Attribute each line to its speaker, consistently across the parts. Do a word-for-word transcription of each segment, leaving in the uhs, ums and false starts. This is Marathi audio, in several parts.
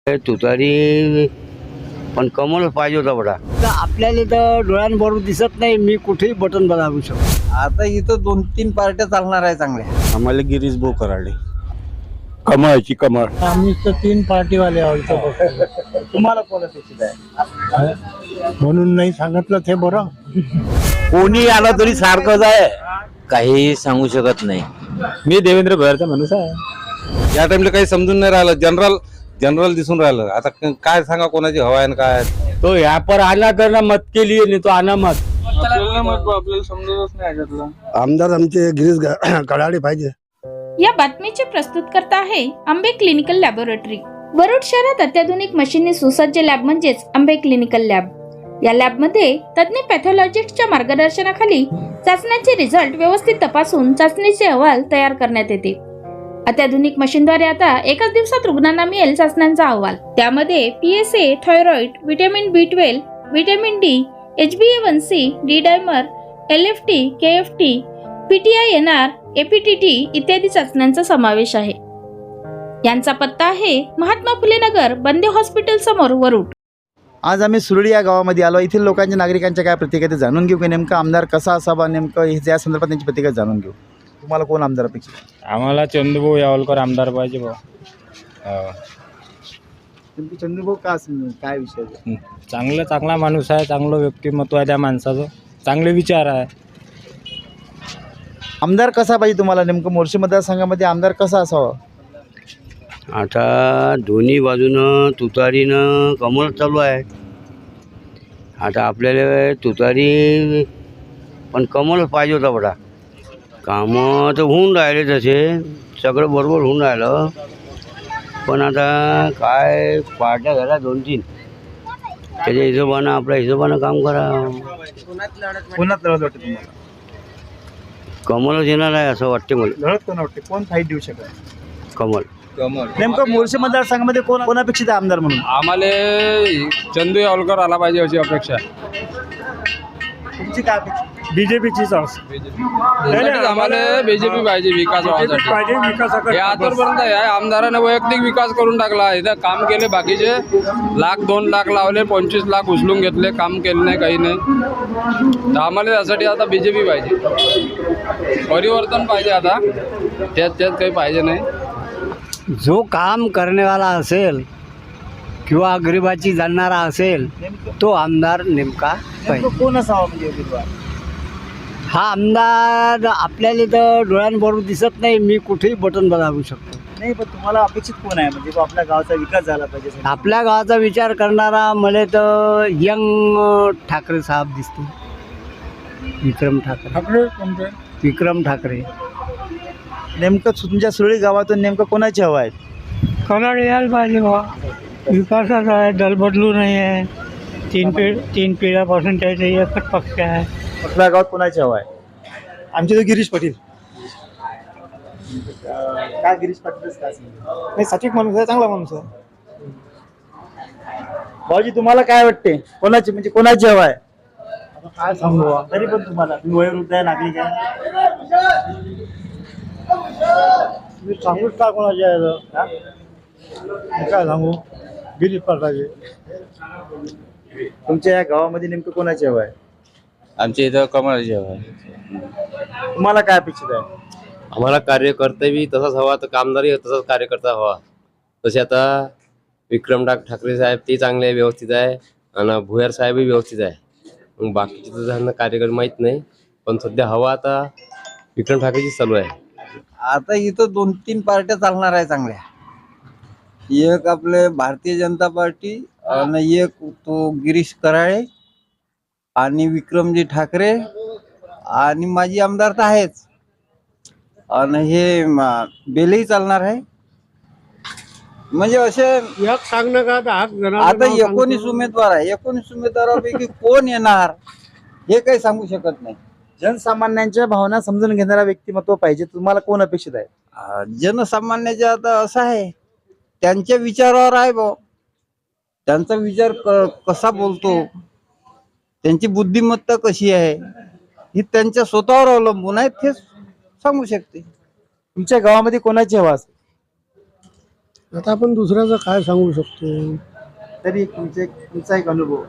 Speaker 1: तुतारी पण कमल पाहिजे होता बडा. तर आपल्याला तर डोळ्यांबरोबर दिसत नाही, मी कुठेही बटन दाबू शकतो.
Speaker 2: आता इथं दोन तीन पार्ट्या चालणार आहे चांगल्या.
Speaker 3: आम्हाला गिरीश भाऊ कराडे. कमळाची कमळ.
Speaker 4: आम्ही तर तीन पार्टीवाले आहोत.
Speaker 2: तुम्हाला कोण अपेक्षित आहे?
Speaker 4: म्हणून नाही सांगितलं ते बरं.
Speaker 3: कोणी आलं तरी सारखंच आहे.
Speaker 5: काही सांगू शकत नाही.
Speaker 3: मी देवेंद्र भैरचा माणूस आहे. या टाइमला काही समजून नाही राहिलं. जनरल जनरल दिसून राहिलं. आता काय सांगा कोणाची हवा आहे आणि काय.
Speaker 4: तो यहाँ पर आना करना मत के लिए, नहीं तो आना मत.
Speaker 2: आपल्याला समजतच नाही याच्यातलं.
Speaker 6: आमदार आमचे गिरीश कडाडे पाहिजे.
Speaker 7: या बातमीचे प्रस्तुतकर्ता आहे आंबे क्लिनिकल लॅबोरेटरी. वरुड शहरात अत्याधुनिक मशीनने सुसज्ज लॅब म्हणजेच आंबे क्लिनिकल लॅब. या लॅबमध्ये तज्ञ पॅथॉलॉजिस्टच्या मार्गदर्शनाखाली चाचण्यांचे रिझल्ट व्यवस्थित तपासून चाचणीचे अहवाल तयार करण्यात येते. अत्याधुनिक मशीनद्वारे आता एकाच दिवसात रुग्णांना मिळेल चाचण्यांचा अहवाल. त्यामध्ये PSA, thyroid, vitamin B twelve, vitamin D, H B A one C, D dimer, L F T, K F T, PTI N R, APTT इत्यादी चाचण्यांचा समावेश आहे. यांचा पत्ता आहे महात्मा फुले नगर, बंदे हॉस्पिटल समोर, वरुड.
Speaker 2: आज आम्ही सुरळी या गावामध्ये आलो. येथील लोकांच्या नागरिकांच्या काय प्रतिक्रिया ते जाणून घेऊ की नेमका आमदार कसा असावा, नेमकं हे या संदर्भात त्यांची प्रतिक्रिया जाणून घेऊ. तुम्हाला कोण आमदार अपेक्षित आहे?
Speaker 3: आम्हाला चंदूभाऊ यावलकर आमदार पाहिजे भाऊ.
Speaker 2: नेमकी चंद्रभाऊ का असेल, काय विषय आहे?
Speaker 3: चांगलं चांगला माणूस आहे. चांगलं व्यक्तिमत्व आहे त्या माणसाचं. चांगले विचार आहे.
Speaker 2: आमदार कसा पाहिजे तुम्हाला? नेमकं मोर्शी मतदारसंघामध्ये आमदार कसा असावा?
Speaker 1: आता दोन्ही बाजूनं तुतारीनं कमळ चालू आहे. आता आपल्याला तुतारी पण कमल पाहिजे होता बडा. कामं तर होऊन राहिले, तसे सगळं बरोबर होऊन राहिलं. पण आता काय पार्ट्या झाल्या दोन तीन, त्याच्या हिशोबानं आपल्या हिशोबानं काम करा.
Speaker 2: कोणात लढत वाटते तुम्हाला?
Speaker 1: कमलच येणार आहे असं वाटते मला.
Speaker 2: लढत कोण वाटते? कोण फाईट देऊ शकत?
Speaker 1: कमल.
Speaker 2: नेमकं मोर्शी मतदारसंघामध्ये कोण कोण अपेक्षित आहे आमदार म्हणून?
Speaker 3: आम्हाला चंदू यावलकर आला पाहिजे अशी अपेक्षा.
Speaker 2: तुमची काय अपेक्षा?
Speaker 4: बीजेपीचीच
Speaker 3: आम्हाला बीजेपी पाहिजे विकास व्हायसाठी. हे आतापर्यंत आहे आमदाराने वैयक्तिक विकास करून टाकला. इथं काम केले, बाकीचे लाख दोन लाख लावले, पंचवीस लाख उचलून घेतले, काम केले नाही, काही नाही. तर आम्हाला त्यासाठी आता बीजेपी पाहिजे. परिवर्तन पाहिजे. आता त्यात त्यात काही पाहिजे नाही.
Speaker 1: जो काम करण्यावाला असेल किंवा गरिबाची जाणणारा असेल तो आमदार नेमका पाहिजे.
Speaker 2: नेमकं कोण असावा म्हणजे उमेदवार?
Speaker 1: हा आमदार आपल्याला तर डोळ्यांबरोबर दिसत नाही, मी कुठेही बटन दाबू शकतो.
Speaker 2: नाही, पण तुम्हाला अपेक्षित कोण आहे म्हणजे आपल्या गावाचा विकास झाला पाहिजे?
Speaker 1: आपल्या गावाचा विचार करणारा मला तर यंग ठाकरे साहेब दिसतो. विक्रम ठाकरे. विक्रम ठाकरे.
Speaker 2: नेमकं तुमच्या सुरळी गावातून नेमकं कोणाची हवा आहे?
Speaker 4: कडाडे यायला पाहिजे बा. विकासाचा आहे, दल बदलू नाही आहे. तीन पिढ तीन पिढ्यापासून त्याचा एकच पक्ष आहे.
Speaker 2: आपल्या गावात कोणाची हवा आहे?
Speaker 6: आमचे तर गिरीश पाटील.
Speaker 2: काय गिरीश पाटीलच का?
Speaker 6: नाही, सात्विक माणूस आहे, चांगला माणूस आहे.
Speaker 2: भाऊजी तुम्हाला काय वाटते? कोणाची म्हणजे कोणाची हवा आहे?
Speaker 6: काय सांगू,
Speaker 2: तरी पण तुम्हाला, तुम्ही वयोवृद्ध आहे, नागरिक आहे,
Speaker 6: मी सांगूच का कोणाचे आहे? काय सांगू, गिरीश पाटील.
Speaker 2: तुमच्या या गावामध्ये नेमकं कोणाची हवा आहे?
Speaker 5: आमच्या इथं कमळाची हवा आहे.
Speaker 2: तुम्हाला काय अपेक्षित आहे?
Speaker 5: आम्हाला कार्यकर्ता बी तसाच हवा, तर कामदारही तसाच कार्यकर्ता हवा. तसे आता विक्रम ठाकरे साहेब ते चांगले आहे, व्यवस्थित आहे. आणि भुयार साहेबही व्यवस्थित आहे. मग बाकीचे तर त्यांना कार्यकर्ता माहीत नाही, पण सध्या हवा आता विक्रम ठाकरेची चालू आहे.
Speaker 2: आता इथं दोन तीन पार्ट्या चालणार आहे चांगल्या. एक आपले भारतीय जनता पार्टी आणि एक तो गिरीश कराळे आणि विक्रमजी ठाकरे आणि माजी आमदार तर आहेच. आणि हे बेलही चालणार आहे. म्हणजे असे
Speaker 4: एक सांगणं का
Speaker 2: आता एकोणीस उमेदवार आहे. एकोणीस उमेदवारापैकी कोण येणार हे काही सांगू शकत नाही. जनसामान्यांच्या भावना समजून घेणारा व्यक्तिमत्व पाहिजे. तुम्हाला कोण अपेक्षित आहे? जनसामान्याचे आता असं आहे, त्यांच्या विचारावर आहे भाऊ. त्यांचा विचार कसा बोलतो, त्यांची बुद्धिमत्ता कशी आहे, ही त्यांच्या स्वतःवर अवलंबून आहे. ते सांगू शकते.
Speaker 8: तुमच्या गावामध्ये कोणाची हवा असेल?
Speaker 6: आता आपण दुसऱ्याचं काय सांगू शकतो.
Speaker 2: तरी तुमचे तुमचा एक अनुभव.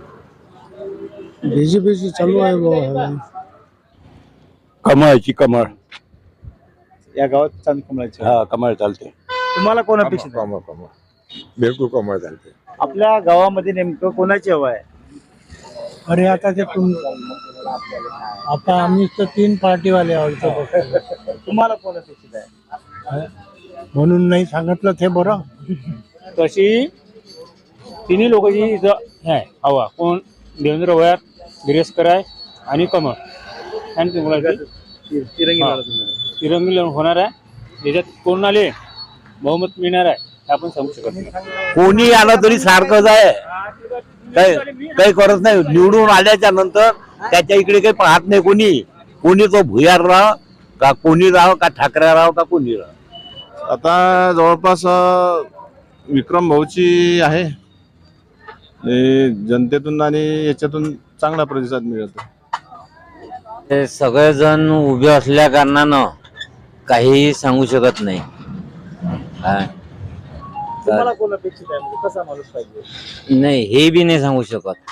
Speaker 6: बीजेपीची चालू आहे बुवा.
Speaker 8: कमळची कमळ
Speaker 2: या गावात चांद कमळाची.
Speaker 8: हा कमळ चालते.
Speaker 2: तुम्हाला कोण अपेक्षित आहे?
Speaker 8: कमळ कमळ बिलकुल कमळ चालते.
Speaker 2: आपल्या गावामध्ये नेमकं कोणाची हवा आहे?
Speaker 4: अरे आता ते तुम आता आम्ही तर तीन पार्टीवाले आहोत
Speaker 2: तुम्हाला कोण अपेक्षित आहे?
Speaker 4: म्हणून नाही सांगितलं ते बरं.
Speaker 9: तशी तिन्ही लोकांची इथं आहे हवा. कोण? देवेंद्र भोयर, गिरीशकर आहे आणि कमळ. आणि तुम्हाला
Speaker 2: तिरंगी
Speaker 9: हा.
Speaker 2: लढत होणार आहे.
Speaker 9: तिरंगी लढत होणार आहे. याच्यात कोण आले बहुमत मिळणार आहे हे आपण सांगू शकत नाही.
Speaker 8: कोणी आलं तरी सारखंच आहे. काही काही करत नाही. निवडून आल्याच्या नंतर त्याच्या इकडे काही पाहत नाही कोणी. कोणी तो भुयार राव का कोणी राव का ठाकरे राव का कोणी राव.
Speaker 10: आता जवळपास अ, विक्रम भाऊची आहे. आणि जनतेतून आणि याच्यातून चांगला प्रतिसाद मिळतो.
Speaker 11: ते सगळेजण उभे असल्या कारणानं काही सांगू शकत नाही. हा.
Speaker 2: तुम्हाला कोण अपेक्षित आहे? म्हणजे कसा माणूस पाहिजे?
Speaker 11: नाही हे बी नाही सांगू शकत.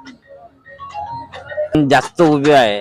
Speaker 11: जास्त उभे आहे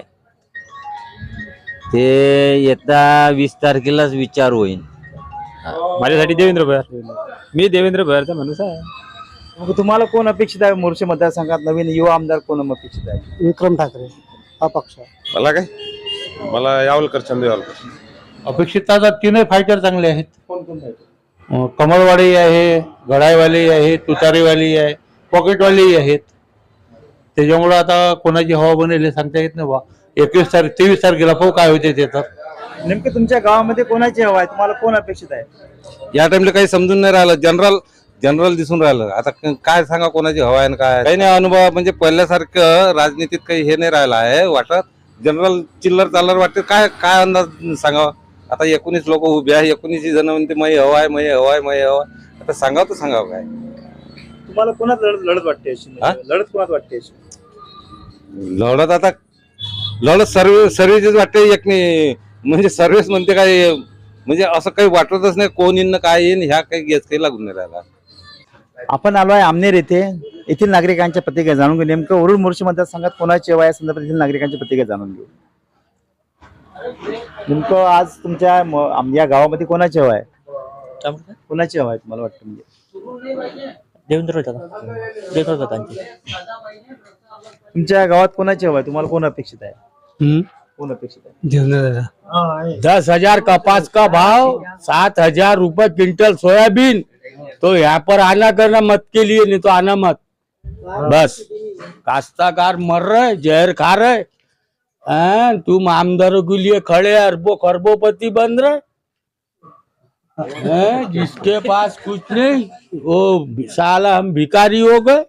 Speaker 11: ते येत्या वीस तारखेलाच विचार होईल.
Speaker 9: माझ्यासाठी देवेंद्र भोयर. मी देवेंद्र भोयरचा माणूस आहे.
Speaker 2: मग तुम्हाला कोण अपेक्षित आहे? मोर्चे मतदारसंघात नवीन युवा आमदार कोण अपेक्षित आहे?
Speaker 6: विक्रम ठाकरे हा पक्ष.
Speaker 10: मला काय मला यावलकर चंद यावलकर.
Speaker 8: अपेक्षित आता तीनही फायटर चांगले आहेत.
Speaker 2: कोण कोण आहे?
Speaker 8: कमळवाडी आहे, गडाईवाली आहे, तुतारीवाली आहे, पॉकेटवाली आहेत. त्याच्यामुळं आता कोणाची हवा बनेल हे सांगता येत नाही बा. एकवीस तारीख तेवीस तारखेला पाहू काय होते ते. तर
Speaker 2: नेमकं तुमच्या गावामध्ये कोणाची हवा आहे? तुम्हाला कोण अपेक्षित आहे?
Speaker 3: या टाइमला काही समजून नाही राहिलं. जनरल जनरल दिसून राहिलं. आता क- काय सांगा कोणाची हवा आहे काय काही नाही. अनुभव म्हणजे पहिल्यासारखं राजनीतीत काही हे नाही राहिलं आहे वाटत. जनरल चिल्लर चालर वाटते. काय काय अंदाज सांगावा. आता एकोणीस लोक उभे आहे. एकोणीस जण म्हणते मय हवा आहे मय हवा आहे मय हवा आहे. आता सांगावं तर सांगावं काय.
Speaker 2: तुम्हाला कोणात लढत लढत वाटते अशी?
Speaker 3: हा?
Speaker 2: लढत कोणात वाटते अशी?
Speaker 3: लढत आता लढत सर्व सर्व्हिसेस वाटते एक नाही. म्हणजे सर्व्हिस म्हणते काय म्हणजे असं काही वाटतच नाही. कोण येईन काय येईन ह्या काही गेस काही लागून नाही राहिला.
Speaker 2: आपण आलो आहे आमनेर येथे. येथील नागरिकांच्या प्रतिक्रिया जाणून घेऊ. नेमकं वरुड मोर्चे मतदारसंघात कोणाची हवा या संदर्भात येथील नागरिकांच्या प्रतिक्रिया जाणून घेऊ. नेमकं आज तुमच्या म- आम- या गावामध्ये कोणाची हवा आहे? कोणाची हवा आहे तुम्हाला वाटतं? म्हणजे
Speaker 9: देवेंद्र देवेंद्र दादांची.
Speaker 2: तुमच्या गावात कोणाची हवा आहे? तुम्हाला कोण अपेक्षित आहे? कोण अपेक्षित आहे?
Speaker 8: दस हजार कपास का भाव, सात हजार रुपए क्विंटल सोयाबीन. तो यहाँ पर आना करना मत के लिए, नहीं तो आना मत. बस काश्तकार मर रहे, जहर खा रहे. हाँ, तुम आमदारों के लिए खड़े अरबों खरबोपति बन रहे हैं. जिसके पास कुछ नहीं वो साला हम भिखारी हो गए.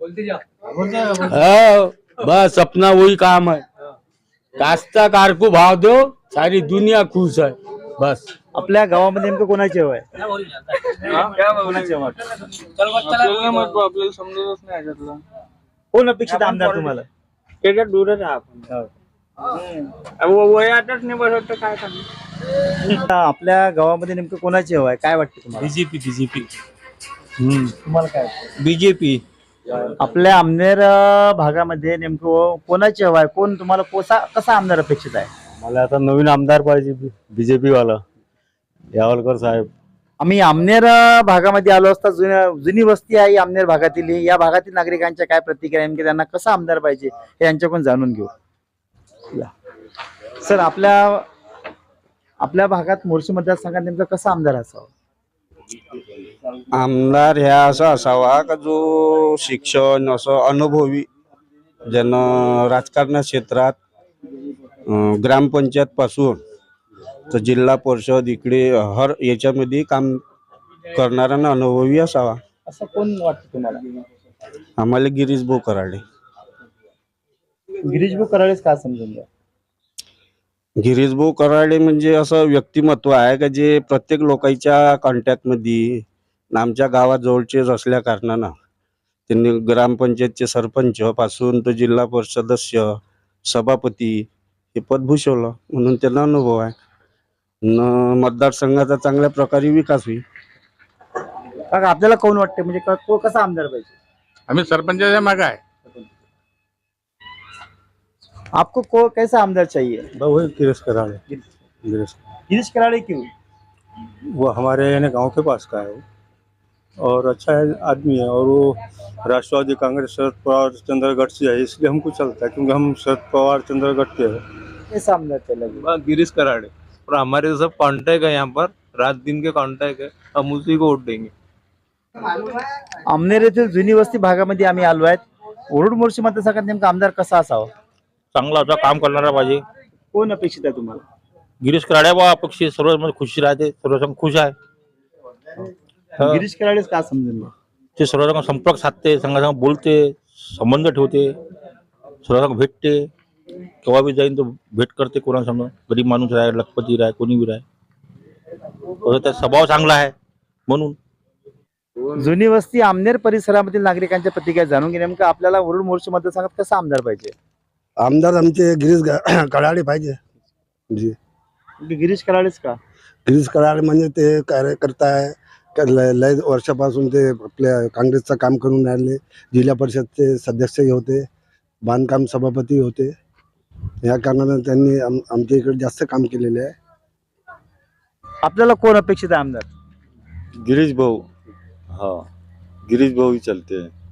Speaker 8: हाँ, बस अपना वही काम है. काश्तकार को भाव दो, सारी दुनिया खुश है. बस
Speaker 2: आपल्या गावामध्ये नेमकं कोणाची हवा आहे? कोणाची हवा आहे?
Speaker 3: आपल्याला समजतच नाही याच्यातलं.
Speaker 2: कोण अपेक्षित आहे आमदार तुम्हाला?
Speaker 3: त्याच्यात दूरच आहे आपण. वयातच नाही बसत तर काय सांगू.
Speaker 2: आपल्या गावामध्ये नेमकं कोणाची हवा आहे? काय वाटतं तुम्हाला?
Speaker 9: बीजेपी बीजेपी
Speaker 2: तुम्हाला काय वाटतं?
Speaker 9: बीजेपी.
Speaker 2: आपल्या आमनेर अं, भागामध्ये नेमकं कोणाची हवा आहे? कोण तुम्हाला कोसा कसा आमदार अपेक्षित आहे?
Speaker 8: मला आता नवीन आमदार पाहिजे बीजेपी वाला यावलकर साहेब.
Speaker 2: आम्ही आमनेर अं, भागामध्ये आलो असता. जुन्या जुनी वस्ती आहे आमनेर भागातील. या भागातील नागरिकांच्या काय प्रतिक्रिया आहे? नेमकी त्यांना कसा आमदार पाहिजे हे यांच्याकडून जाणून घेऊ. सर, आपल्या आपल्या भागात मोर्शी मतदारसंघात नेमका कसा आमदार असावा?
Speaker 1: आमदार ह्या असा असावा का जो शिक्षण असं अनुभवी ज्यानं राजकारण क्षेत्रात अं, ग्रामपंचायत पासून तर जिल्हा परिषद इकडे हर याच्यामध्ये काम करणारा ना अनुभवी असावा.
Speaker 2: असं कोण वाटतं तुम्हाला?
Speaker 1: आम्हाला गिरीश भाऊ कराडे.
Speaker 2: गिरीश भाऊ कराडेच का समजून घ्या.
Speaker 1: गिरीश भाऊ कराडे म्हणजे असं व्यक्तिमत्व आहे का जे प्रत्येक लोकांच्या कॉन्टॅक्टमध्ये आमच्या गावात जवळचेच असल्या कारणानं त्यांनी ग्रामपंचायतचे सरपंच पासून तर जिल्हा परिषद सदस्य सभापती हे पद भूषवलं म्हणून त्यांना अनुभव आहे. न मतदारसंघाचा चांगल्या प्रकारे विकास होईल.
Speaker 2: काका आपल्याला कोण वाटते म्हणजे क- को कसा आमदार पाहिजे?
Speaker 8: आम्ही सरपंचाच्या मागे आहे.
Speaker 2: आपको को कैसा आमदार चाहिए?
Speaker 6: वही गिरीश कराड़े गिरीश
Speaker 2: गिरीश कराड़े क्यों?
Speaker 6: वो हमारे यानी गांव के पास का है वो, और अच्छा है आदमी है, और वो राष्ट्रवादी कांग्रेस शरद पवार चंद्रगढ़ से है, इसलिए हमको चलता है क्योंकि हम शरद पवार चंद्रगढ़ के हैं।
Speaker 2: कैसा आमदार चलेगा?
Speaker 12: गिरीश कराड़े, और हमारे तो सब कॉन्टैक्ट है यहाँ पर, रात दिन के कॉन्टैक्ट है, हम उसी को वोट देंगे।
Speaker 2: अमनेर येथील जुनी वस्ती भागामध्ये आम्ही आलो आहेत. वरुड मोर्शी मतदारसंघात नेमका आमदार कसा असावा?
Speaker 8: चांगला होता, काम करणारा पाहिजे.
Speaker 2: कोण अपेक्षित आहे तुम्हाला?
Speaker 8: गिरीश कराड्या बा पक्षी सर्व म्हणजे खुशी राहते, सर्व खुश आहे. हा.
Speaker 2: गिरीश कराडेच का समजून घ्या.
Speaker 8: ते सर्व संपर्क साधते, संघासंग बोलते, संबंध ठेवते, सर्व भेटते. केव्हा बी जाईन तो भेट करते कोणासंग. गरीब माणूस आहे, लखपती राय, कोणी बी राय. त्याचा स्वभाव चांगला आहे म्हणून.
Speaker 2: जुनी वस्ती आमनेर परिसरामधील नागरिकांच्या प्रतिक्रिया जाणून घे. नेमकं आपल्याला वरुड मोर्शी मतदारसंघात कसा आमदार पाहिजे?
Speaker 13: आमदार आमचे गिरीश ग- कराडे पाहिजे. जी
Speaker 2: गिरीश कराडेच का?
Speaker 13: गिरीश कराडे म्हणजे ते कार्यकर्ता आहे. क- लय लय वर्षापासून ते आपल्या काँग्रेसचं काम करून राहिले. जिल्हा परिषदचे सदस्यही होते, बांधकाम सभापती होते. या कारणानं त्यांनी आम आमच्या इकडे जास्त काम केलेले आहे.
Speaker 2: आपल्याला कोण अपेक्षित आहे आमदार?
Speaker 10: गिरीश भाऊ, हाँ गिरीश भाऊ ही चलते हैं.